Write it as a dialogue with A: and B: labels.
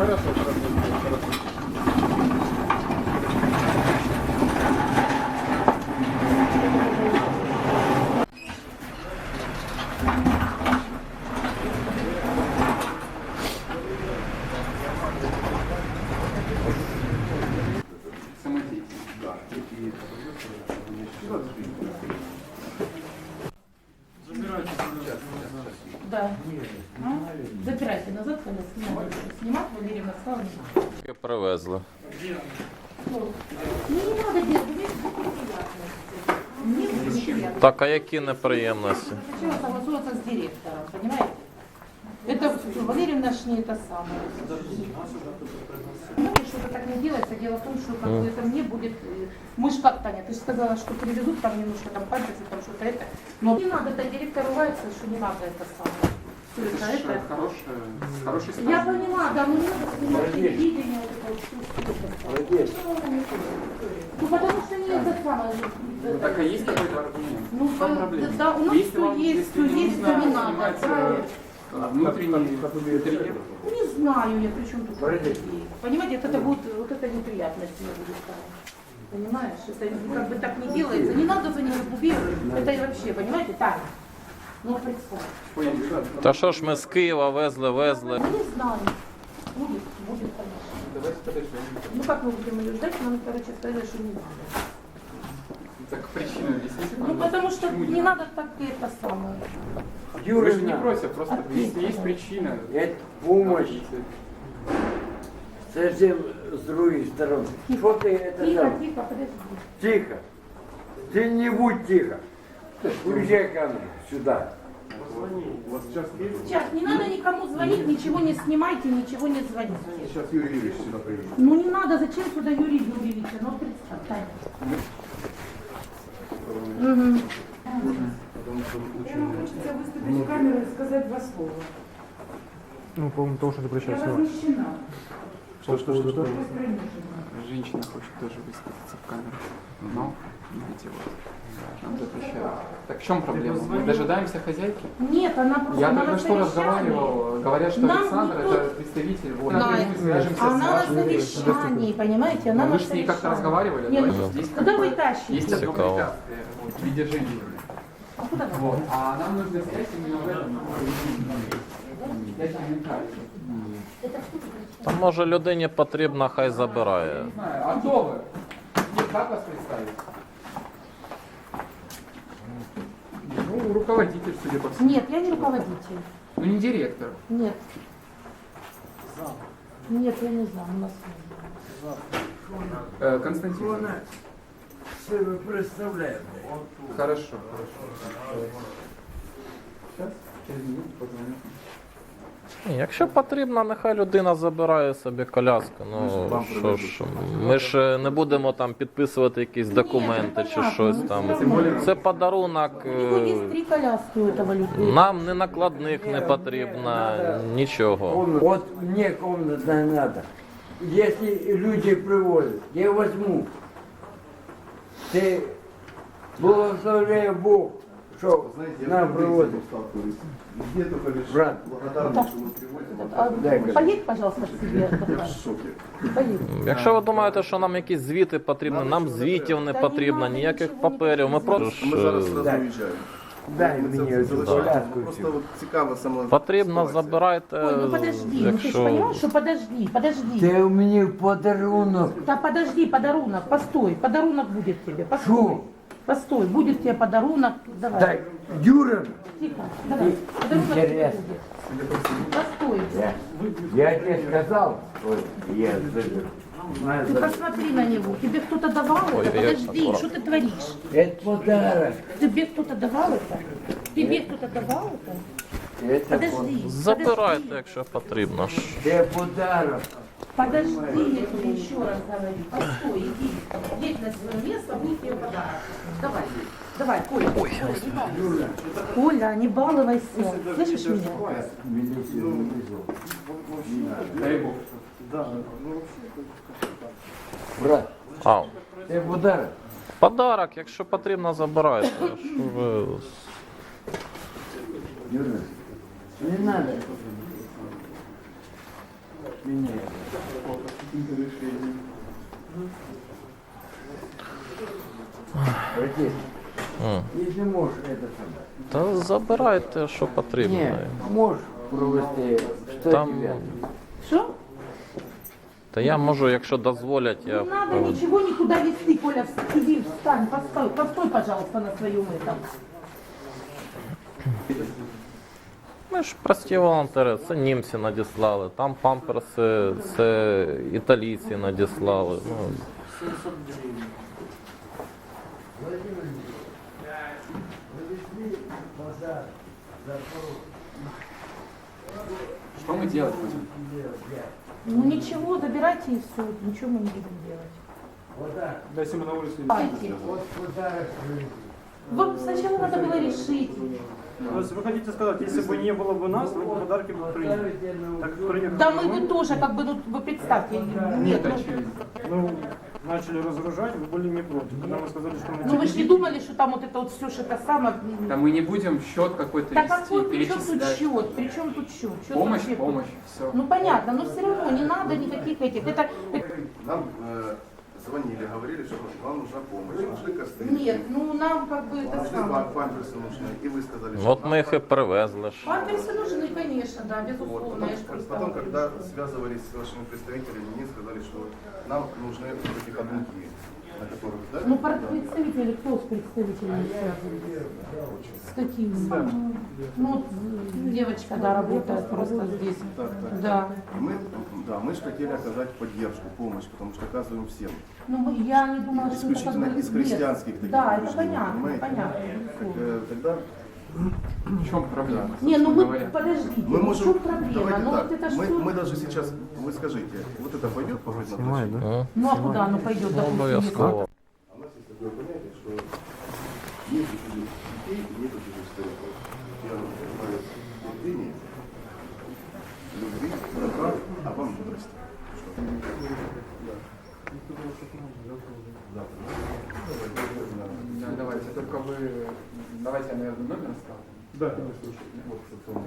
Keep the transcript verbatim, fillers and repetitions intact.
A: Хорошо, хорошо, хорошо.
B: Да. А? Запирайте назад, когда снимать. Снимать Валерьевна сказала.
C: Привезли.
B: Ну, не надо делать, мне будет неприятно.
C: Так, а які неприємності?
B: Сначала согласоваться с директором, понимаете? Это Валерьевна ж не это самое. Ну, что-то так не делается. Дело в том, что как бы это мне будет... э, Мы ж как, Таня, ты же сказала, что перевезут там немножко там пальцы, там что-то это. Но не надо, это директор ругается, что не надо это самое. Всё это, это.
A: Хорошая, хороший стаж.
B: Я понимаю, да, но не надо снимать телевидение, вот это вот всё. Ну потому что не это самое.
A: Ну, так а есть какой-то аргумент?
B: Ну,
A: В чем
B: да,
A: проблема?
B: да, у нас
A: Если
B: всё
A: вам-
B: есть,
A: если
B: всё
A: не
B: есть,
A: нужно
B: то не надо,
A: снимать,
B: да.
A: э, внутренний интерьер.
B: Не знаю я, при чем тут идеи. Понимаете, вот это будет, вот это неприятность мне будет ставить. Понимаешь, это как бы так не делается. Не надо за него губировать. Это и вообще, понимаете, так. Ну, представь.
C: Та що ж ми з Києва везли, везли.
B: Ну, не знаю. Будет, будет, конечно.
A: Давайте подождем.
B: Ну, как мы будем ее ждать? Нам, короче, сказали, что не надо.
A: Так причину объясните,
B: Ну,
A: пожалуйста,
B: потому что
A: почему
B: не надо так это самое.
A: Вы же не против, просто
B: Ответь,
A: если есть
B: пожалуйста.
A: причина.
D: Это помощь совсем с другой стороны. Что ты это
B: Тихо,
D: делал?
B: тихо, подожди.
D: Тихо. Ты не будь тихо. Уезжай ко мне сюда.
B: Сейчас, не надо никому звонить, ничего не снимайте, ничего не звоните.
E: Сейчас Юрий Юрьевич сюда приедет.
B: Ну не надо, зачем сюда Юрий Юрьевича? Ну представь, Таня. Угу.
F: Нам хочется выступить в камеру и сказать два слова.
E: Ну, по-моему, то, что ты
F: Я
E: прощаешься.
F: возмущена.
E: Что, что, что, что?
F: Пусть принижена.
A: Женщина хочет тоже высказаться в камеру. Но, видите, вот. Нам запрещают. Так в чем проблема? Мы дожидаемся хозяйки?
B: Нет, она просто
A: Я
B: она
A: только
B: на
A: что
B: совещании.
A: разговаривал, говорят, что
B: Нам
A: Александр
B: никто-
A: это представитель, вот,
B: Да,
A: напрямую свяжемся
B: она
A: с
B: на
A: вашей...
B: совещании, понимаете? Она
A: Ну,
B: на
A: вы же с ней как-то
B: совещании.
A: разговаривали,
B: Нет,
A: да?
B: ну,
A: Есть
B: куда
A: как-то-
B: вы тащите?
A: Есть одно
C: Цикаво.
A: препятствие вот, в виде женщины.
B: А куда вы?
A: Вот. А нам нужно снять именно в этом. Я тебе не кажу.
C: Та може людині потрібно, хай забирає.
A: Не знаю, а кто вы? Нет, как вас представить? Ну, руководитель, судя по всему.
B: Нет, я не руководитель.
A: Ну, не директор.
B: Нет. Нет, я не знаю, у нас
A: Э, Константин.
D: Она себе представляет.
A: Хорошо, хорошо. Сейчас, через минуту позвоню.
C: Ні, якщо потрібно, нехай людина забирає собі коляску. Ну що ж, ми ж не будемо там підписувати якісь документи чи щось там. Це подарунок.
B: У него есть
C: е,
B: три коляски у этого людей.
C: Нам не накладних не потрібно, нічого.
D: Вот мне комната надо. Если люди привозят, я возьму. Ты благословляй Бог, что
E: Знаете, я
D: нам
E: тоже
D: привозят.
E: с этим сталкиваюсь. Где только лишь
D: Брат.
E: благодарность, что мы привозим.
B: А,
D: Дай,
B: поедь, пожалуйста, к себе.
E: Я в
B: отдыхай.
E: шоке.
B: Поедь.
C: Якщо ви думаєте, що нам якісь звіти потрібні, нам звітів не потрібно, ніяких паперів. Ми просто
E: Ми зараз
C: ж,
E: одразу
D: Так.
E: уїжджаємо.
D: Дай
E: Ми це
D: мне эту
E: залишаємо.
D: коляску.
E: Просто от цікаво сама
C: потрібно,
E: ситуація.
C: забирайте.
B: Ой, ну подожди, ну ты же
C: Якщо
B: понимаешь, что подожди, подожди.
D: Ты мне подарунок.
B: Да подожди, подарунок, постой, подарунок будет тебе, постой.
D: Шо?
B: Постой, будет тебе подарунок, давай.
D: Так, Юра,
B: Тихо, давай, подарунок тебе
D: Интересно.
B: будет. Постой.
D: я, я тебе сказал, ой, я заберу.
B: Ты посмотри на него, тебе кто-то давал
C: Ой,
B: это?
C: я
B: Подожди,
C: аккуратно.
B: что ты творишь?
D: Это подарок.
B: Тебе кто-то давал это? Тебе кто-то давал это?
D: Это
B: Подожди,
C: забирайте,
B: подожди,
C: якщо потрібно. ж.
D: Это подарок.
B: подожди, я тебе еще раз говорю. Постой, иди, едь на свое место, будет тебе подарок. Давай, давай, Коля. Ой, не балуйся. Коля, не балуйся. Слышишь меня?
A: Дай Бог.
D: Брат,
C: А,
D: это подарок.
C: подарок, якщо потрібно, забирайте. Що ви...
D: Юра, не надо. меняется.
A: По каким-то решениям.
D: Братец,
C: М.
D: если можешь это самое.
C: Та забирайте, що потрібно.
D: Ні, можеш провести сто
C: Там,
D: дев'ять.
B: Что?
C: та я можу, якщо дозволять, я
B: Не надо
C: проведу.
B: ничего никуда вести, Коля, иди, встань, постой, постой, пожалуйста, на своем этом.
C: Ми ж прості волонтери, це німці надіслали, там памперси, це італійці надіслали. Ну,
A: Что мы делать будем?
B: Ну ничего, забирайте и все, ничего мы не будем делать.
A: Дайте мы на улице.
B: Давайте. Вот сначала надо было решить.
G: То есть вы хотите сказать, если бы не было бы нас, вы бы подарки бы приняли? Так приехали.
B: Да мы бы тоже, как бы, ну вы представьте. Нет, ну,
G: Ну, начали разгружать, вы были не против. Когда вы сказали, что мы...
B: ну вы же не думали, что там вот это вот все, что это самое.
A: Да мы не будем счет какой-то
B: Да
A: вести,
B: какой, при чем тут
A: перечислять.
B: счет? При чем тут счет? Счет
A: Помощь,
B: вообще-
A: помощь, все.
B: Ну понятно, но все равно не надо никаких этих. Это
E: Нам э, звонили, говорили, что вам нужна помощь, нужны костыли.
B: нет, ну нам как бы это
E: Нужны
B: самое.
E: пам- памперсы нужны. И вы сказали, что
C: от ми їх і привезли ж.
B: Памперсы нужны, конечно, да,
E: вот.
B: безусловно.
E: Потом,
B: я ж просто-
E: потом, когда связывались с вашими представителями, мне сказали, что нам нужны вот эти ходунки, на которых, да?
B: Ну, пар- представители, кто с представителями связывается? С какими? Ну, вот девочка, да, работает просто здесь.
E: Так, так.
B: Да.
E: И мы, да, мы же хотели оказать поддержку, помощь, потому что оказываем всем.
B: Ну, мы- я не думала, что это как
E: Исключительно
B: бы
E: из христианских таких
B: Да, это
E: убеждений,
B: понятно,
E: понимаете?
B: понятно.
E: Так,
B: безусловно.
E: э, тогда
A: В чем проблема?
B: Не, ну
A: собственно
B: мы,
A: говоря?
B: подождите,
E: мы
B: ну в
E: можем,
B: чем проблема?
E: давайте
B: Ну
E: так,
B: вот это
E: мы,
B: что?
E: мы даже сейчас, вы скажите, вот это пойдет по на площадь?
C: М.
B: Ну а куда оно пойдет,
C: Ну,
B: допустим, если-
C: обов'язково.
E: У нас есть такое понятие, что нет чужих детей и нет чужих стариков. Я называю терпение, любви, добра, а вам мудрости. Что? Да.
A: Да, давайте, только вы... Давайте я, наверное, номер оставлю.
G: Да.
E: Вот, собственно,